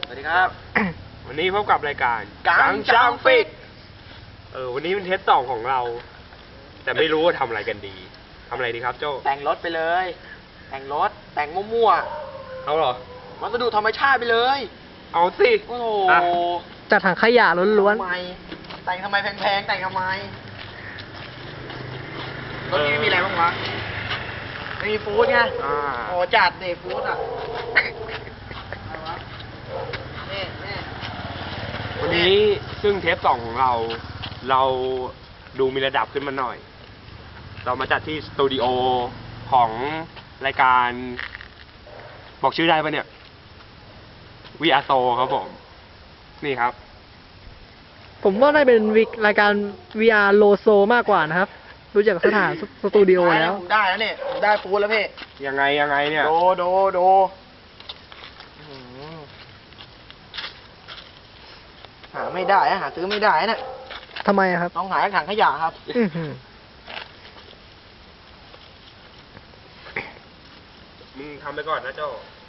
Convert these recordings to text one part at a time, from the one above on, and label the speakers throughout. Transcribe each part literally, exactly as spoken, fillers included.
Speaker 1: สวัสดีครับ
Speaker 2: วันนี้พบกับรายการ
Speaker 1: กังช่างฟิก
Speaker 2: เออวันนี้เป็นเทสสองของเรา แต่ไม่รู้ว่าทำอะไรกันดีทำอะไรดีครับโจ้
Speaker 1: แต่งรถไปเลย แต่งรถแต่งมั่ว
Speaker 2: ๆเอาเหรอ
Speaker 1: ๆวัสดุธรรมชาติไปเลย
Speaker 2: เอาสิ
Speaker 1: โอ้โห
Speaker 2: อ่ะ
Speaker 3: จัดถังขยะล้วน
Speaker 1: ทำไมแต่งทำไมแพงๆแต่งทำไมรถนี้ไม่มีอะไรบ้างวะไม่มีฟู้ดไง
Speaker 2: อ่า
Speaker 1: โอ้จัดเดฟู้ดอ่ะอะไรวะนี่นี่
Speaker 2: วันนี้ซึ่งเทสสองของเรา เราดูมีระดับขึ้นมาหน่อย เรามาจัดที่สตูดิโอของรายการ บอกชื่อได้ปะเนี่ยวีอาโตครับผม นี่ครับ
Speaker 3: ๆ ผมว่าได้เป็นวิกรายการ วี อาร์ โลโซมากกว่านะครับ รู้จักสถานสตูดิโอแล้ว
Speaker 1: ผมได้แล้วเนี่ยผมได้ฟู้ดแล้วพี่
Speaker 2: ยังไงยังไงเนี่ย
Speaker 1: โดโดโดอื้อหือหาไม่ได้อะหาซื้อไม่ได้นะ
Speaker 3: ทำไมอะครับ
Speaker 1: ต้องหาจากถังขยะครับ
Speaker 3: อื้อหือ
Speaker 2: มึงทำไปก่อนนะโจ้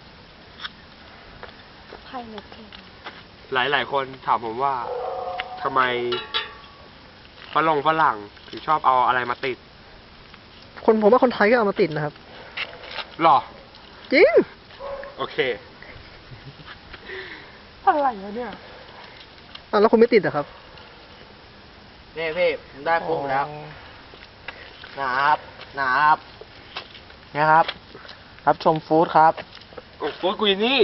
Speaker 4: ไข่เล็กเอง
Speaker 2: หลายหลายคนถามผมว่าทำไมฝรั่งฝรั่งถึงชอบเอาอะไรมาติด
Speaker 3: คนผมว่าคนไทยก็เอามาติดนะครับ
Speaker 2: หรอ
Speaker 3: จริง
Speaker 2: โอเค อะไรวะเนี่ย
Speaker 3: อ่ะแล้วคุณไม่ติดเหรอครับ
Speaker 1: นี่พี่ผมได้ฟู้ดมาแล้วหนาครับหนาครับเนี่ยครับ รับชมฟู้ดครับ
Speaker 2: โอ้โหกูอยางนี่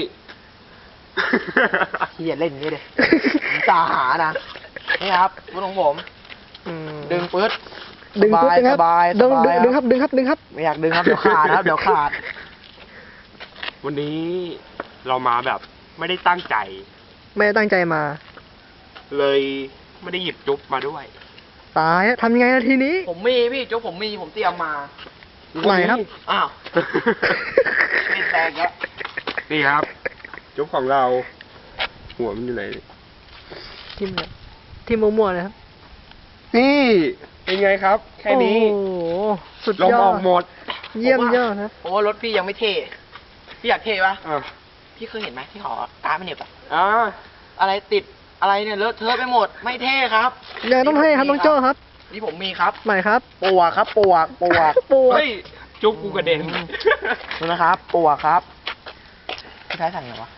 Speaker 1: พี่อย่าเล่นอย่างนี้เลยผมตาหานะนี่ครับฟู้ดของผม
Speaker 3: อืม
Speaker 1: ดึงปื๊ด
Speaker 3: ดึง
Speaker 1: ส
Speaker 3: ปุ๊บ
Speaker 1: บาย
Speaker 3: ดึงค
Speaker 1: ส
Speaker 3: รับบ
Speaker 1: าย
Speaker 3: ดึง
Speaker 1: สบาย
Speaker 3: ดึงครับดึงครับดึงครับ
Speaker 1: ไม่อยากดึงครับเดี๋ยวขาดครับเดี๋ยวขาด
Speaker 2: วันนี้เรามาแบบไม่ได้ตั้งใจ
Speaker 3: ไม่ได้ตั้งใจมา
Speaker 2: เลยไม่ได้หยิบจุ๊บมาด้วย
Speaker 3: ตายแล้วทำยังไงนาทีนี้
Speaker 1: ผมมีพี่โจ๊กผมมีผมเตรียมมา
Speaker 3: ไหนครับ
Speaker 1: อ้าวไม่แตกแล้ว
Speaker 2: นี่ครับ จุ๊บของเรา หัวมันอยู่ไหน
Speaker 3: ทิมเลยทิมมั่วๆเลยครับ
Speaker 2: นี่เป็นไงครับ แค่นี้
Speaker 3: โอ้โหสุด
Speaker 2: ลม
Speaker 3: ยอ
Speaker 2: อ
Speaker 3: ด
Speaker 2: อกหมด
Speaker 3: เยี่ยมยอดครับ
Speaker 1: โอ้รถพี่ยังไม่เท่พี่อยากเท่ปะ
Speaker 2: อ่ะ
Speaker 1: พี่เคยเห็นไหมที่หอการ์ดไม่เหน็บอะ
Speaker 2: อ่า
Speaker 1: อะไรติดอะไรเนี่ยเลอะเทอะไปหมดไม่เท่ครับ
Speaker 3: ยังต้องให้ครับน้องโจ้ครับ
Speaker 1: นี่ผมมีครับ
Speaker 3: ไหนครับ
Speaker 1: ปวกครับปวกปวก
Speaker 3: ปวด
Speaker 2: เฮ้ย จุ๊บกูกระเด็น
Speaker 1: ดูนะครับปวกครับพี่ท้ายสั่งไงวะ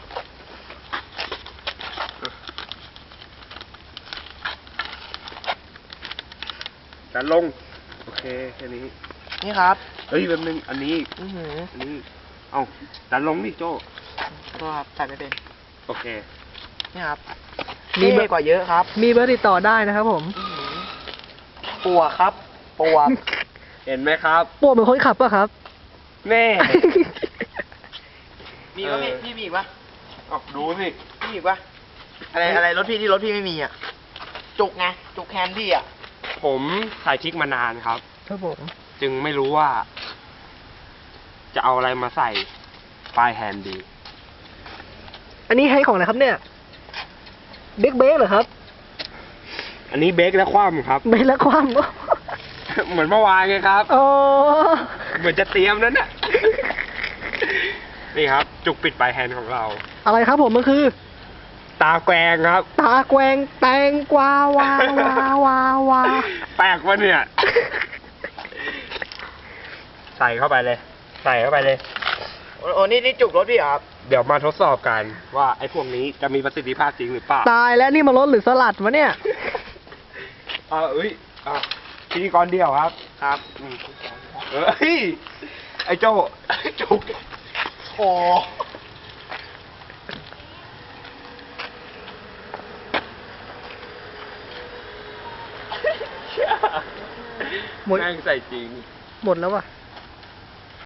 Speaker 2: ดันลง โอเค แค่นี้
Speaker 1: นี่ครับ
Speaker 2: เฮ้ยแป๊บนึง อันนี้
Speaker 1: อือหือ
Speaker 2: อันนี้ เอ้า ดันลงดิโจ้
Speaker 1: ก็ครับใส่ไม่เป็น
Speaker 2: โอเค
Speaker 1: นี่ครับ
Speaker 3: มี
Speaker 1: มี
Speaker 3: เบอร์
Speaker 1: เท่กว่าเยอะครับ
Speaker 3: มีเบอร์ติดต่อได้นะครับผม
Speaker 1: อื้อหือปวกครับปวก
Speaker 2: เห็นไหมครับ
Speaker 3: ปวดเหมือนคนขับป่ะครับ
Speaker 2: แน่
Speaker 1: มีปะพี่พี่มีอีกปะ
Speaker 2: ออกดูสิ
Speaker 1: พี่มีอีกปะอะไรอะไรรถพี่ที่รถพี่ไม่มีอ่ะจุกไงจุกแคนพี่อ่ะ
Speaker 2: ผมถ่ายคลิกมานานครับ
Speaker 3: ครับผม
Speaker 2: จึงไม่รู้ว่า จะเอาอะไรมาใส่ปลายแฮนด์ดี
Speaker 3: อันนี้ให้ของอะไรครับเนี่ยเบรกเบรกเหรอครับ
Speaker 2: อันนี้เบรกและคว่ำครับ
Speaker 3: เบรกแล้วความ
Speaker 2: เหมือนเมื่อวานไงครับ
Speaker 3: อ๋อ
Speaker 2: เหมือนจะเตรียมนั้นน่ะ นี่ครับ จุกปิดปลายแฮนด์ของเรา
Speaker 3: อะไรครับผมมันคือ
Speaker 2: ตาแกวงครับ
Speaker 3: ตาแกวงแตงกวาวาวาวาวา
Speaker 2: แปลกวะเนี่ย ใส่เข้าไปเลย ใส่เข้าไปเลย
Speaker 1: โอ้โอ้นี่นี่จุกรถพี่เหรอครับ
Speaker 2: เดี๋ยวมาทดสอบกันว่าไอ้พวกนี้จะมีประสิทธิภาพจริงหรือเปล่า
Speaker 3: ตายแล้วนี่มันรถหรือสลัดวะเนี่ย
Speaker 2: อ่าเอ้ยอ่าพิธีกรเดียวครับ ครับอืมเอ้ย ไอ้โจ้จุก
Speaker 1: โอ้
Speaker 3: หมด
Speaker 2: แม่งใส่จริง
Speaker 3: หมดแล้วว่ะ